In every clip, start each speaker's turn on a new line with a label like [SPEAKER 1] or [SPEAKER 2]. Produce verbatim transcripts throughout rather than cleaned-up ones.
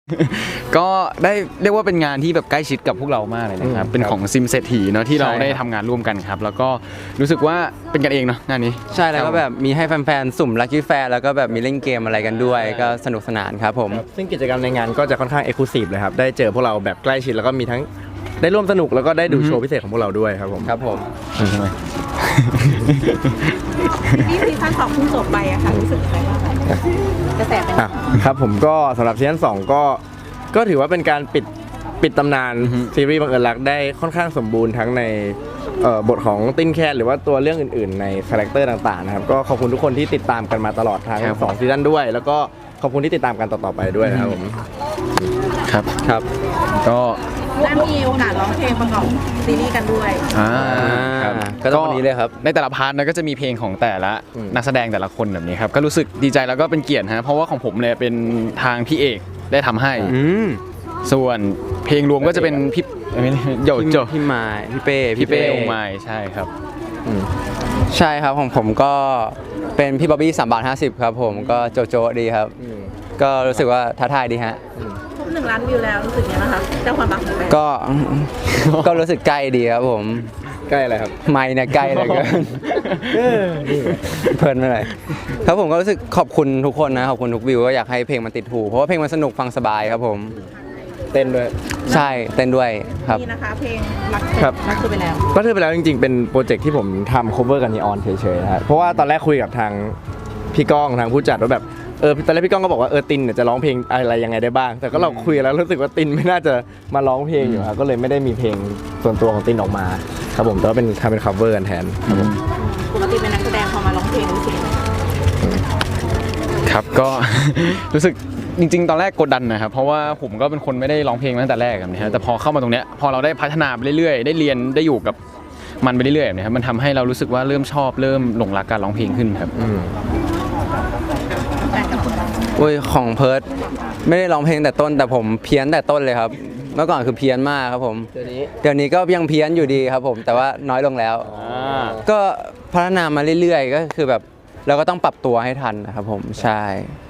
[SPEAKER 1] ก็ได้เรียกว่าเป็นงานที่แบบใกล้ชิดกับพวกเรามากเลยนะครับเป็นของซิมเศรษฐีเนาะที่เราได้ทำงานร่วมกันครับแล้วก็รู้สึกว่าเป็นกันเองเนาะงานนี้
[SPEAKER 2] ใช่แล้วก็แบบมีให้แฟนๆสุ่มลัคกี้แฟร์แล้วก็แบบมีเล่นเกมอะไรกันด้วยก็สนุกสนานครับผม
[SPEAKER 3] ซึ่งกิจกรรมในงานก็จะค่อนข้างเอกลูซีฟเลยครับได้เจอพวกเราแบบใกล้ชิดแล้วก็มีทั้งได้ร่วมสนุกแล้วก็ได้ดูโชว์พิเศษของพวกเราด้วยครับผม
[SPEAKER 2] ครับผม
[SPEAKER 1] ใช่ไหม
[SPEAKER 4] นี่ซีซั่นสองเพิ่งจบไปอะค่ะรู้สึกยังไงบ้างกระแสเป็น
[SPEAKER 3] ครับผมก็สำหรับซีซั่นสองก็ก็ถือว่าเป็นการปิดปิดตำนานซีรีส์บังเอิญรักได้ค่อนข้างสมบูรณ์ทั้งในบทของติ้นแคทหรือว่าตัวเรื่องอื่นๆในคาแรคเตอร์ต่างๆนะครับก็ขอบคุณทุกคนที่ติดตามกันมาตลอดทั้งสองซีซั่นด้วยแล้วก็ขอบคุณที่ติดตามกันต่อๆไปด้วยนะครับผม
[SPEAKER 1] ครับ
[SPEAKER 2] ครับ
[SPEAKER 1] ก็
[SPEAKER 4] ได้มีโอกาสร้องเพลงประกอบซีรีส์กันด้วย
[SPEAKER 1] อ่า
[SPEAKER 2] ก็ตอนนี้เลยครับ
[SPEAKER 1] ในแต่ละพาร์ทนะก็จะมีเพลงของแต่ละนักแสดงแต่ละคนแบบนี้ครับก็รู้สึกดีใจแล้วก็เป็นเกียรติฮะเพราะว่าของผมเนี่ยเป็นทางพี่เอกได้ทำให้ส่วนเพลงรวมก็จะเป็นพี่โยโจ
[SPEAKER 2] พี่ไม้พี่เป้
[SPEAKER 1] พี่เป้องไม้ใช่ครับ
[SPEAKER 2] ใช่ครับของผมก็เป็นพี่บ๊อบบี้สามบาทห้าสิบครับผมก็โจโจดีครับก็รู้สึกว่าท้าทายดีฮะ
[SPEAKER 4] ครบหนึ่งล้านวิวแล้วรู้สึกยังไงบ้างครับเจ้าความรักของแฟน
[SPEAKER 2] ก็ก็รู้สึกใกล้ดีครับผม
[SPEAKER 3] ใกล้อะไรครับ
[SPEAKER 2] ไม่เนี่ยใกล้เลยเกินเพลินไปเลยครับผมก็รู้สึกขอบคุณทุกคนนะขอบคุณทุกวิวก็อยากให้เพลงมันติดหูเพราะว่าเพลงมันสนุกฟังสบายครับผม
[SPEAKER 3] เต้นด้วย
[SPEAKER 2] ใช่เต้นด้วยครับ
[SPEAKER 4] นี่นะคะเพลงรักครับรักเธอไปแล้ว
[SPEAKER 3] รักเธอไปแล้วจริงๆเป็นโปรเจกต์ที่ผมทำ cover กับนีออนเฉยๆนะครับเพราะว่าตอนแรกคุยกับทางพี่ก้องทางผู้จัดว่าแบบเออตอนแรกพี่ก้องก็บอกว่าเออตินเนี่ยจะร้องเพลงอะไรยังไงได้บ้างแต่ก็เราคุยแล้วรู้สึกว่าตินไม่น่าจะมาร้องเพลงอยู่ครับก็เลยไม่ได้มีเพลงส่วนตัวของตินออกมาครับผมแต่ว่าเป็นทำเป็น cover กันแทนครับผม
[SPEAKER 4] ปกติเป็นนักแสดงพอมาร้องเพลงรู้สึก
[SPEAKER 1] ครับก็รู้สึกจริงๆตอนแรกกดดันนะครับเพราะว่าผมก็เป็นคนไม่ได้ร้องเพลงมาตั้งแต่แรกแบบนี้แต่พอเข้ามาตรงเนี้ยพอเราได้พัฒนาไปเรื่อยๆได้เรียนได้อยู่กับมันไปเรื่อยๆแบบนี้ครับมันทำให้เรารู้สึกว่าเริ่มชอบเริ่มหลงรักการร้องเพลงขึ้นครับ
[SPEAKER 2] โอ้ยของเพิร์ดไม่ได้ร้องเพลงแต่ต้นแต่ผมเพี้ยนแต่ต้นเลยครับเมื่อก่อนคือเพี้ยนมากครับผมเดี๋ยวนี้เดี๋ยวนี้ก็ยังเพี้ยนอยู่ดีครับผมแต่ว่าน้อยลงแล้วก็พัฒนามาเรื่อยๆก็คือแบบเราก็ต้องปรับตัวให้ทันนะครับผมใช่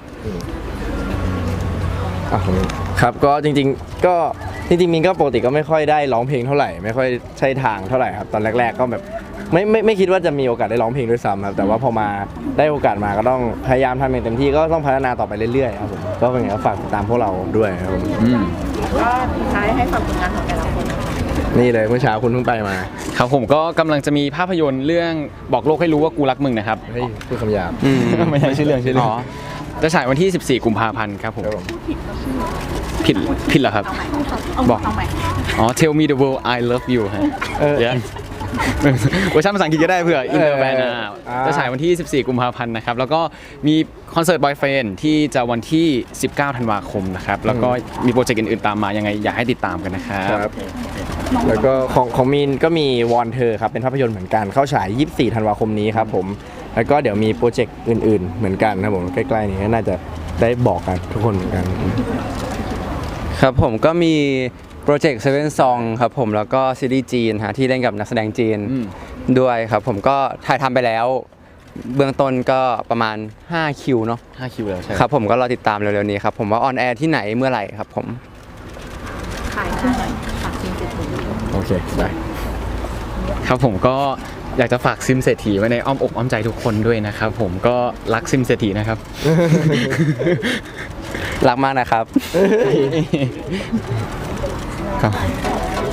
[SPEAKER 3] ครับก็จริงๆก็จริงๆมินก็ปกติก็ไม่ค่อยได้ร้องเพลงเท่าไหร่ไม่ค่อยใช่ทางเท่าไหร่ครับตอนแรกๆก็แบบไม่ไม่ไม่คิดว่าจะมีโอกาสได้ร้องเพลงด้วยซ้ำครับแต่ว่าพอมาได้โอกาสมาก็ต้องพยายามทำอย่างเต็มที่ก็ต้องพัฒนาต่อไปเรื่อยๆครับผมก็เป็นไงก็ฝากติดตามพวกเราด้วยครับผม
[SPEAKER 4] ก็สุดท้ายให้ฝากผลงานของแต่ละคน
[SPEAKER 3] นี่เลยเมื่อเช้าคุณเพิ่งไปมา
[SPEAKER 1] ครับผมก็กำลังจะมีภาพยนตร์เรื่องบอกโลกให้รู้ว่ากูรักมึงนะครับ
[SPEAKER 3] เฮ้ยพูดคำหยาบ
[SPEAKER 1] ไม่ใช่ชื่อเรื่องชื่อเรื่องจะฉายวันที่สิบสี่กุมภาพันธ์ครับผมผิดผิดเหรอครับบอกอ๋อ Tell me the world I love you ฮะเออเวอร์ชันภาษาอังกฤษก็ได้เผื่ออินเตอร์แบนด์จะฉายวันที่สิบสี่กุมภาพันธ์นะครับแล้วก็มีคอนเสิร์ตบอยเฟรนด์ที่จะวันที่สิบเก้าธันวาคมนะครับแล้วก็มีโปรเจกต์อื่นๆตามมายังไงอยากให้ติดตามกันนะครับ
[SPEAKER 3] แล้วก็ของของมีนก็มีวอนเธอครับเป็นภาพยนตร์เหมือนกันเข้าฉายยี่สิบสี่ธันวาคมนี้ครับผมแล้วก็เดี๋ยวมีโปรเจกต์อื่นๆเหมือนกันครับผมใกล้ๆนี้น่าจะได้บอกกันทุกคนเหมือนกัน
[SPEAKER 2] ครับผมก็มีโปรเจกต์เซเว่นซองครับผมแล้วก็ซีรีส์จีนฮะที่เล่นกับนักแสดงจีนด้วยครับผมก็ถ่ายทำไปแล้วเบื้องต้นก็ประมาณห้าคิวเนาะ
[SPEAKER 1] ห้าคิวแล้วใช่
[SPEAKER 2] ครับผมก็รอติดตามเร็วๆนี้ครับผมว่าออนแอร์ที่ไหนเมื่อไหร่ครับผม
[SPEAKER 4] ขายหน่อยฝากซิมเศรษฐี
[SPEAKER 3] โอเคได้
[SPEAKER 1] ครับผมก็อยากจะฝากซิมเศรษฐีไว้ในอ้อมอกอ้อมใจทุกคนด้วยนะครับผมก็รักซิมเศรษฐีนะครับ
[SPEAKER 2] รักมากนะครับ
[SPEAKER 1] ครับ